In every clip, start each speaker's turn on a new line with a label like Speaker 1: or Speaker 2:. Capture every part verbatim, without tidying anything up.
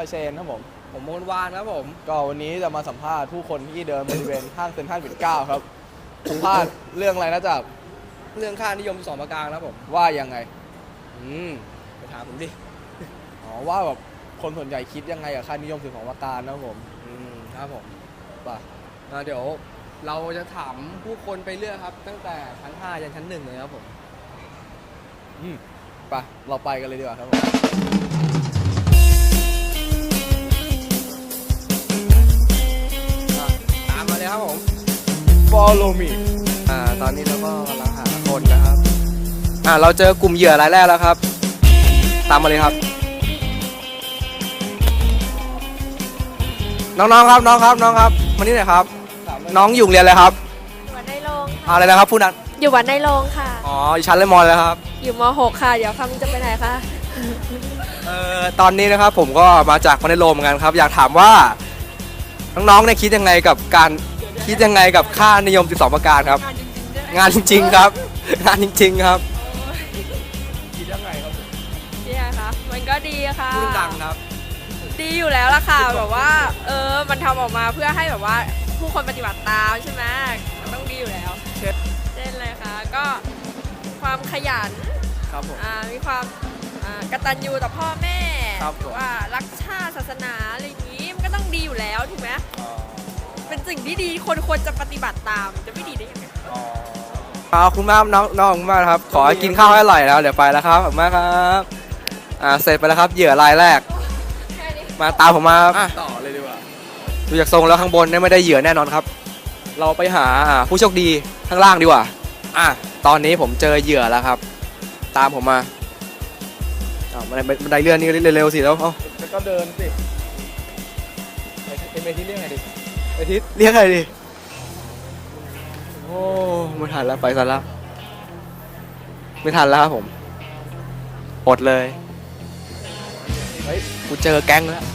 Speaker 1: เชนครับผม
Speaker 2: ผมมนวานครับผม
Speaker 1: ก็วันนี้จะมาสัมภาษณ์ผู้คนที่เดินบริเวณห้างเซ็นทรัลปิ่นเกล้าครับสัมภาษณ์เรื่องอะไรนะจ๊ะ
Speaker 2: เรื่องค่านิยมสองประการครับผม
Speaker 1: ว่ายังไง
Speaker 2: อืมไปถามผมดิ
Speaker 1: อ๋อว่าแบบคนส่วนใหญ่คิดยังไงกับค่านิยมสิบสองประการนะครับผม
Speaker 2: อืมครับผม
Speaker 1: ป่ะ
Speaker 2: เดี๋ยวเราจะถามผู้คนไปเรื่อยครับตั้งแต่ชั้นห้ายันชั้นหนึ่งเลยครับผม
Speaker 1: อืมป่ะเราไปกันเลยดีกว่าครับผม
Speaker 2: ตามมาเลยครับผม
Speaker 1: Follow me
Speaker 2: อ่าตอนนี้เราก็กำลังหาคนนะครับอ่าเราเจอกลุ่มเหยื่อรายแรกแล้วครับตามมาเลยครับน้องๆครับน้องครับน้องครับมานี่หน่อยครับน้องอยู่โรงเรียนอะไรครับ
Speaker 3: อยู่วัดในโรง
Speaker 2: อะไรนะครับผู้นั้น
Speaker 3: อยู่วัดในโรงค่ะ
Speaker 2: อ๋อชั้นเลยมอแล้วครับ
Speaker 3: อยู่ม หก ค่ะเดี๋ยวคำจะไปไหนคะ
Speaker 2: เอ่อตอนนี้นะครับผมก็มาจากวัดในโรงเหมือนกันครับอยากถามว่าน้องๆเนี่ยคิดยังไงกับการคิดยังไงกับค่านิยมสิบสองประการครับงานจริงๆครับงานจริงๆครับ
Speaker 1: คิดยังไงครับ
Speaker 3: นี่ไงคะมันก็ดีค่ะ
Speaker 2: พูดดังครับ
Speaker 3: ดีอยู่แล้วล่ะค่ะแบบว่าเออมันทำออกมาเพื่อให้แบบว่าผู้คนปฏิบัติตามใช่ไหมมันต้องดีอยู่แล้วเช่นเลยค่ะก็ความขยัน
Speaker 2: ครับผม
Speaker 3: อ่ามีความอ่ากตัญญูต่อพ่อแม่
Speaker 2: ครับ
Speaker 3: ว่ารักชาติศาสนาอะไรอย่างนี้มันก็ต้องดีอยู่แล้วถูกไหมเป็นสิ่งที่ดีคนควรจะปฏิบัติตามจะไม่ดีได้ยังไง
Speaker 2: ขอบคุณมากน้องน้องมากครับขอกินข้าวให้อร่อยแล้วเดี๋ยวไปแล้วครับขอบคุณมากครับอ่าเสร็จไปแล้วครับเหยื่อรายแรกมาตามผมมา
Speaker 1: ต่อเลยดีกว่า
Speaker 2: ดูจากทรงแล้วข้างบนเนี่ยไม่ได้เหยื่อแน่นอนครับเราไปหาผู้โชคดีข้างล่างดีกว่าอ่ะตอนนี้ผมเจอเหยื่อแล้วครับตามผมมาอ่าบันไดบันไดเลื่อนนี่เร็วๆสิแล้วเอา
Speaker 1: แล้วก็เดินสิไปที่เรียกไงดิไปทิศ
Speaker 2: เรียกไงดิโอ้ไม่ทันแล้วไปซะแล้วไม่ทันแล้วครับผมอดเลยเฮ้ยกูเจอแก๊งแล้ว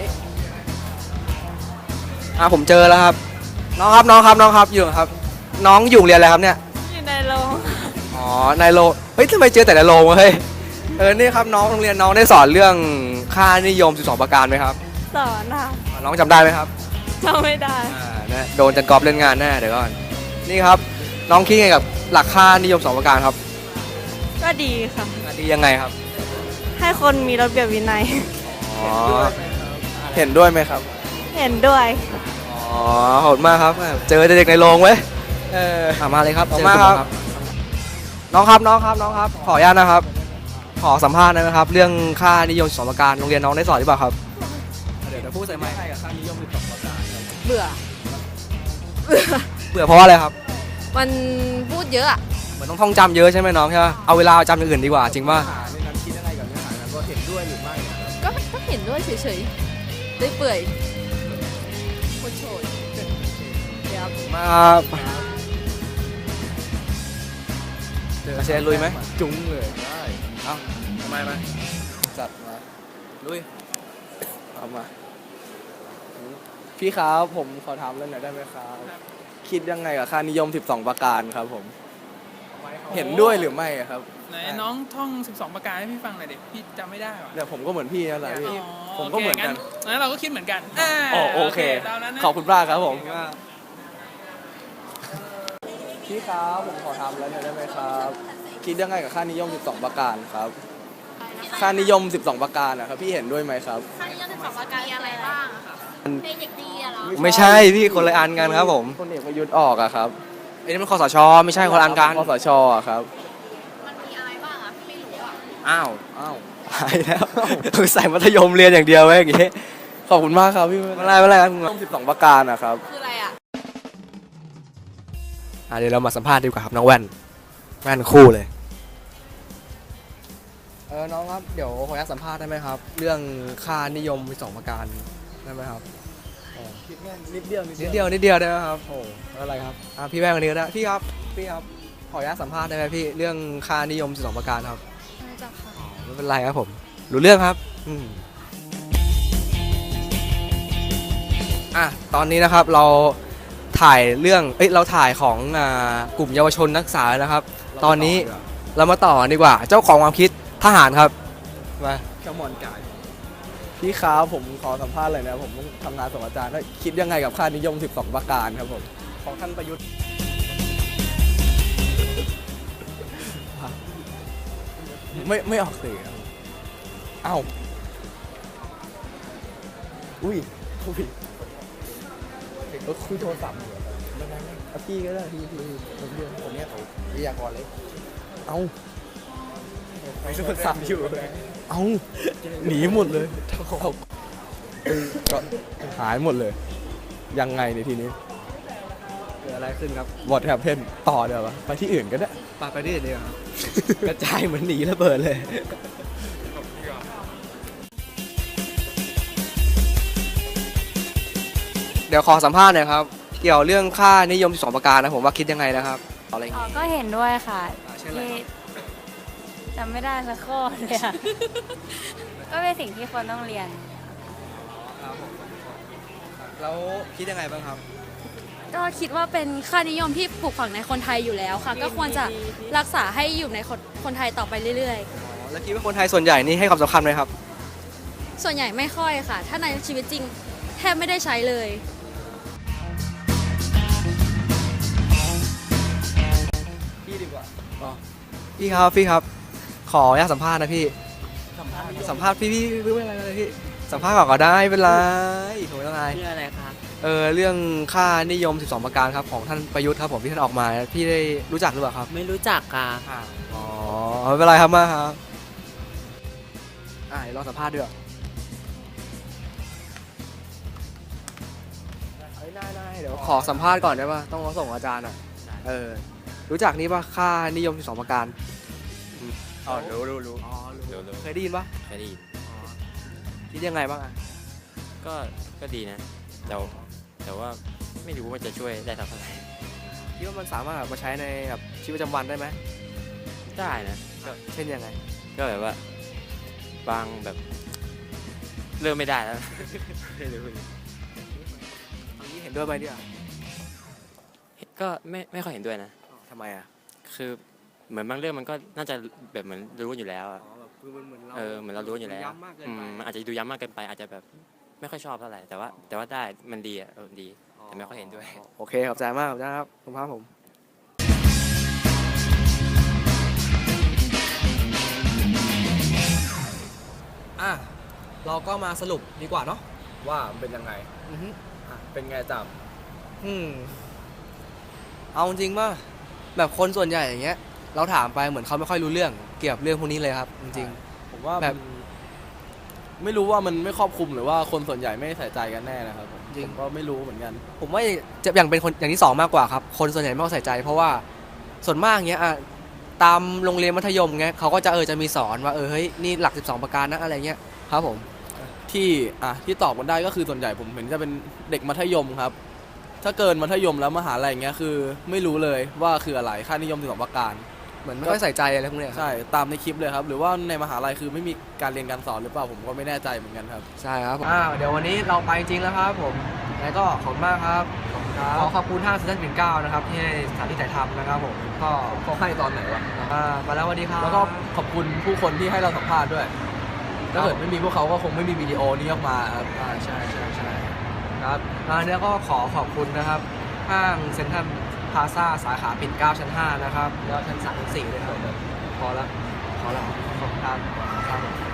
Speaker 2: อ่าผมเจอแล้วครับน้องครับน้องครับน้องครับอยู่ครับน้องอยู่เรียนอะไรครับเนี่ย
Speaker 3: อยู่ในโรง
Speaker 2: อ๋อในโรงเฮ้ยทำไมเจอแต่ในโรงวะเฮ้ยเออนี่ครับน้องโรงเรียนน้องได้สอนเรื่องค่านิยมสิบสองประการไหมครับ
Speaker 3: สอนค่ะ
Speaker 2: น้องจำได้ไหมครับ
Speaker 3: จำไม่ได้
Speaker 2: อ่านะโดนจันกอบเล่นงานแน่เดี๋ยวก่อนนี่ครับน้องคิดไงกับหลักค่านิยมสองประการครับ
Speaker 3: ก็ดีค่ะ
Speaker 2: ดียังไงครับ
Speaker 3: ให้คนมีระเบียบวินัย
Speaker 2: อ๋อ
Speaker 1: เห็นด้วยไหมครับ
Speaker 3: เห็นด้วย
Speaker 2: อ๋อขอบคุณมากครับเจอเด็กในโรงเว้ยเออมาเลยครับขอบคุณมากครับน้องครับน้องครับน้องครับขออนุญาตนะครับขอสัมภาษณ์นะครับเรื่องค่านิยมสองประการโรงเรียนน้องได้สอนหรือเปล่าครับเดี๋ยวจะพูดใส่ไมค์
Speaker 1: กับค่านิยมสิบสองประการ
Speaker 3: เบื่อ
Speaker 2: เบื่อเพราะอะไรครับ
Speaker 3: มันพูดเยอะ
Speaker 2: เหมือนต้องท่องจำเยอะใช่ไหมน้องใช่ไหมเอาเวลาจำอย่างอื่นดีกว่าจริงป่ะ
Speaker 1: ในนั้นคิดยังไงกับเนื้อหานั้นว่าเห็นด้วยหรือไม่
Speaker 3: ก็ก็เห็นด้วยเฉยๆได้เปื่อยโคตรโฉดเดี๋ยว
Speaker 2: มาเจอเชนลุยไหม
Speaker 1: จุ้งเลยได้เอ้าทำไมมาจัดมาลุยเอามาพี่ครับผมขอถามเรื่องหน่อยได้ไหมครับคิดยังไงกับค่านิยมสิบสองประการครับผมเห็นด้วยหรือไม่ครับ
Speaker 4: ไหนน้องท่องสิบสองประการให้พี่ฟังหน่อยดิพี่จำไม่ได้ว่ะ
Speaker 1: เนี่ยผมก็เหมือนพี่นั่นแหละพี่ผมก็เหมือนกัน
Speaker 4: งั้นเราก็คิดเหมือนกัน
Speaker 1: อ๋อโอเคขอบคุณมากครับผมพี่ครับผมขอถามแล้วหน่อยได้ไหมครับคิดยังไงกับค่านิยมสิบสองประการครับค่านิยมสิบสองประการนะครับพี่เห็นด้วยไหมครับ
Speaker 3: ค่านิยมสิบสองประการอะไรบ้างคะเป็นเด็กดีอะเหรอ
Speaker 2: ไม่ใช่พี่คนละอันกันครับผม
Speaker 1: คนเอกประยุทธ์ออกอะครับ
Speaker 2: ไอ้นี่มันคสชไม่ใช่คนละอันกัน
Speaker 1: คสชอะครับ
Speaker 3: มันมีอะไรบ้างอะพี่ไม่รู้อะ
Speaker 2: อ้าว
Speaker 1: อ้าว
Speaker 2: หายแล้วคือใส่มัธยมเรียนอย่างเดียวไว้อย่างงี้
Speaker 1: ขอบคุณมากครับพี่
Speaker 2: ไม่ไรไม่ไรครับ
Speaker 1: สิบสองประการนะครับ
Speaker 3: คืออะไรอะ
Speaker 2: อ่ะเดี๋ยวเรามาสัมภาษณ์ดีกว่าครับน้องแว่นแว่นคู่เลยเออน้องครับเดี๋ยวขออนุญาตสัมภาษณ์ได้ไหมครับเรื่องค่านิยมสิบสองประการได้ไหมครับ
Speaker 1: คิดแค่นิดเดียว
Speaker 2: นิดเดียวนิดเดียวได้ไหมครับโอ้อะไรครับอ่ะพี่แว่นคนนี้ก็ได้พี่ครับพี่ครับขออนุญาตสัมภาษณ์ได้ไหมพี่เรื่องค่านิยมสิบสองประการครับ
Speaker 3: ไม่จ้ะค่ะ
Speaker 2: ไม่เป็นไรครับผมรู้เรื่องครับอืมอ่ะตอนนี้นะครับเราถ่ายเรื่องเอ้ยเราถ่ายของอ่ากลุ่มเยาวชนนักศึกษานะครับตอนนี้เรามาต่อดีกว่าเจ้าของความคิดทหารครับมา
Speaker 1: ขมอนกาย
Speaker 2: ท
Speaker 1: พี่ครับผมขอสัมภาษณ์เลยนะผมต้องทำงานส่งอาจารย์แล้วคิดยังไงกับค่านิยม สิบสอง ประการครับผมของท่านประยุทธ์ไม่ไม่ออกสื่อครับเอ้าอุ้ยคุยก็คุยโทรศัพท์อยู่ไม่ได้ไม่เอาพี่ก็ได้พี่พี่ผมเรียนผมเนี้ยเขาวิทยากรเลยเอ้าไม่โทรศัพท์อยู่เอ้าหนีหมดเลยเอาก็หายหมดเลย ยังไงในทีนี้
Speaker 2: เกิดอะไรขึ้นครับ
Speaker 1: วอทแฮปเพนต่อเดี๋ยววะไปที่อื่นก็ได้
Speaker 2: ปาไปที่อื่นดีกว่าครับ กระจายเหมือนหนีระเบิดเลย เดี๋ยวขอสัมภาษณ์หน่อยครับ เกี่ยวเรื่องค่านิยมสิบสองประการนะผมว่าคิดยังไงนะครับอะไรอย่าง
Speaker 5: อ๋อ
Speaker 2: งี้
Speaker 5: ก็เห็นด้วยค่ะ
Speaker 2: อ่าเช่นอะไร
Speaker 5: ที่
Speaker 2: ครับ
Speaker 5: จำไม่ได้สักข้อเลยค่ะ ก็เป็นสิ่งที่คนต้องเรียน
Speaker 2: ครับผมแล้วคิดยังไงบ้างครับ
Speaker 6: ก็คิดว่าเป็นค่านิยมที่ปลูกฝังในคนไทยอยู่แล้วค่ะ ก็ควรจะรักษาให้อยู่ในคนคนไทยต่อไปเรื่อย
Speaker 2: อ๋อแล้วคิดว่าคนไทยส่วนใหญ่นี่ให้ความสำคัญไหมครับ
Speaker 6: ๆ ส่วนใหญ่ไม่ค่อยค่ะ ถ้าในชีวิตจริงแทบไม่ได้ใช้เลย
Speaker 1: พี่ดีกว่า
Speaker 2: พี่ครับพี่ครับ ขออนุญาตสัมภาษณ์นะพี่สัมภาษณ์พี่พี่พี่ไม่เป็นไรเลยพี่สัมภาษณ์ก่อนก็ได้ไม่เป็นไรโถไม่เป็นไร
Speaker 7: เรื่องอะไรครับ
Speaker 2: เออเรื่องค่านิยมสิบสองประการครับของท่านประยุทธ์ครับผมที่ท่านออกมาพี่ได้รู้จักหรือเปล่าครับ
Speaker 7: ไม่รู้จักค่ะ
Speaker 2: อ๋อไม่เป็นไรครับมาครับอ่าเดี๋ยวรอสัมภาษณ์ด้วยเฮ้ยได้ได้เดี๋ยวขอสัมภาษณ์ก่อนได้ป่ะต้องรอส่งอาจารย์อ่ะเออรู้จักนี้ป่ะค่านิยมสิบสองประการ
Speaker 7: อ๋อ รู้รู้รู้
Speaker 2: อ๋อรู้
Speaker 7: รู้รู้
Speaker 2: เคยได้ยินป่ะ
Speaker 7: เคยได้ยิน
Speaker 2: คิดยังไงบ้างอ่ะ
Speaker 7: ก็ ก็ดีนะ แต่ว่าแต่ว่าไม่รู้ว่าจะช่วยได้เท่าไหร่
Speaker 2: คิดว่ามันสามารถเอามาใช้ในแบบชีวิตประจำวันได้ไหม
Speaker 7: ได้นะ ก็
Speaker 2: เช่นยังไง
Speaker 7: ก็แบบว่า บางแบบ เริ่มไม่ได้แล้ว ไม่รู้
Speaker 2: อย่างนี้เห็นด้วยไหมเนี่ย
Speaker 7: ก็ไม่ไม่ค่อยเห็นด้วยนะ
Speaker 2: ทำไมอ่ะ
Speaker 7: คือเหมือนบางเรื่องมันก็น่าจะแบบเหมือนรู้อยู่แล้วอะ
Speaker 2: อ๋อแบบคือมันเหมือนเรา
Speaker 7: เออเหมือนเรารู้อยู่แล้ว
Speaker 2: ย้ำมากเกิน
Speaker 7: อื
Speaker 2: ไป
Speaker 7: มมันอาจจะดูย้ำมากเกินไป อาจจะแบบไม่ค่อยชอบเท่าไหร่ แต่ว่าแต่ว่าได้ มันดีอ่ะเออดี แต่ไม่ค่อยเห็นด้วย
Speaker 2: โอเคขอบใจมากขอบใจครับคุณพระผมอ่ะเราก็มาสรุปดีกว่าเนาะ
Speaker 1: ว่ามันเป็นยังไง
Speaker 2: อือฮึ
Speaker 1: อ่ะเป็นไงจับ
Speaker 2: อืมเอาจริงป่ะแบบคนส่วนใหญ่อย่างเงี้ย เราถามไปเหมือนเขาไม่ค่อยรู้เรื่องเกี่ยวกับเรื่องพวกนี้เลยครับ จริง
Speaker 1: ผมว่า
Speaker 2: แบบ
Speaker 1: มันไม่รู้ว่ามันไม่ครอบคลุมหรือว่าคนส่วนใหญ่ไม่ใส่ใจกันแน่นะครับผม
Speaker 2: จริง
Speaker 1: ผมก็ไม่รู้เหมือนกัน
Speaker 2: ๆผมว่าจะอย่างเป็นคนอย่างที่สองมากกว่าครับ คนส่วนใหญ่ไม่ค่อยใส่ใจ เพราะว่าส่วนมากเงี้ยอ่ะตามโรงเรียนมัธยมเงี้ยเขาก็จะเออจะมีสอนว่าเออเฮ้ยนี่หลักสิบสองประการนะอะไรเงี้ยครับผม
Speaker 1: ที่อ่ะที่ตอบกันได้ก็คือส่วนใหญ่ผมเห็นจะเป็นเด็กมัธยมครับ ถ้าเกินมัธยมแล้วมหาลัยอย่างเงี้ยคือไม่รู้เลยว่าคืออะไรค่านิยมสิบสองประการ
Speaker 2: เหมือนไม่ค่อยใส่ใจอะไรพวกเนี้ยครับ
Speaker 1: ใช่ตามในคลิปเลยครับหรือว่าในมหาลัยคือไม่มีการเรียนการสอนหรือเปล่าผมก็ไม่แน่ใจเหมือนกันครับ
Speaker 2: ใช่ครับอ่าเดี๋ยววันนี้เราไปจริงแล้วครับผมแล้วก็ขอบคุณมากครับขอขอบคุณห้างเซ็นทรัลปิ่นเกล้านะครับที่ให้สถานที่ถ่ายทำนะครับผมก็
Speaker 1: เขาให้ตอนไหนวะ
Speaker 2: อ่ามาแล้วสวัสดีครับ
Speaker 1: แล้วก็ขอบคุณผู้คนที่ให้เราสัมภาษณ์ด้วยถ้าเกิดไม่มีพวกเขาก็คงไม่มีวิดีโอนี้ออกมาครับ
Speaker 2: อ่าใช่ใช่ใช่ครับอ่าเนี้ยก็ขอขอบคุณนะครับห้างเซ็นทรัลพลาซ่าสาขาปิ่นเกล้าชั้นห้านะครับแล้วชั้นสามชั้นสี่ด้วยครับพอแล้วพอแล้วขอบคุณครับครับ